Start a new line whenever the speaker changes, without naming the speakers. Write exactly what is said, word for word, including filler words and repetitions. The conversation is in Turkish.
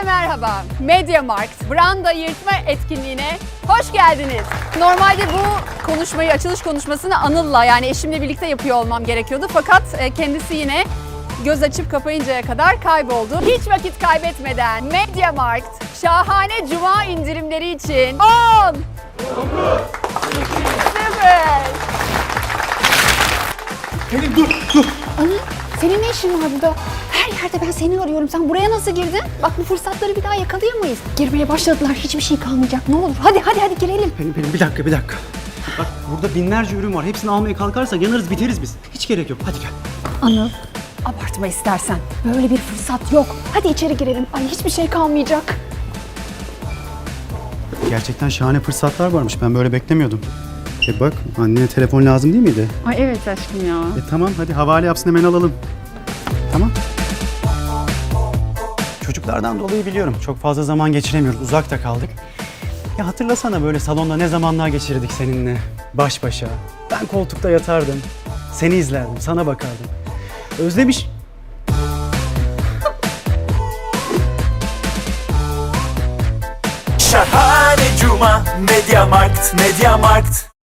Herkese merhaba. MediaMarkt Branda Yırtma etkinliğine hoş geldiniz. Normalde bu konuşmayı, açılış konuşmasını Anıl'la yani eşimle birlikte yapıyor olmam gerekiyordu. Fakat kendisi yine göz açıp kapayıncaya kadar kayboldu. Hiç vakit kaybetmeden MediaMarkt şahane cuma indirimleri için on sıfır
Pelin dur, dur.
Anıl, senin ne işin var burada? Her yerde ben seni arıyorum. Sen buraya nasıl girdin? Bak bu fırsatları bir daha yakalayamayız. Girmeye başladılar. Hiçbir şey kalmayacak. Ne olur. Hadi hadi hadi girelim.
Pelin, Pelin bir dakika, bir dakika. Bak burada binlerce ürün var. Hepsini almaya kalkarsak yanarız, biteriz biz. Hiç gerek yok. Hadi gel.
Anıl, abartma istersen. Böyle bir fırsat yok. Hadi içeri girelim. Ay hiçbir şey kalmayacak.
Gerçekten şahane fırsatlar varmış. Ben böyle beklemiyordum. E bak, annene telefon lazım değil miydi?
Ay evet aşkım ya.
E tamam, hadi havale yapsın, hemen alalım. Tamam. Çocuklardan dolayı biliyorum. Çok fazla zaman geçiremiyoruz. Uzakta kaldık. Ya hatırlasana böyle salonda ne zamanlar geçirdik seninle. Baş başa. Ben koltukta yatardım. Seni izlerdim, sana bakardım. Özlemiş...
Şahane Cuma, MediaMarkt, MediaMarkt.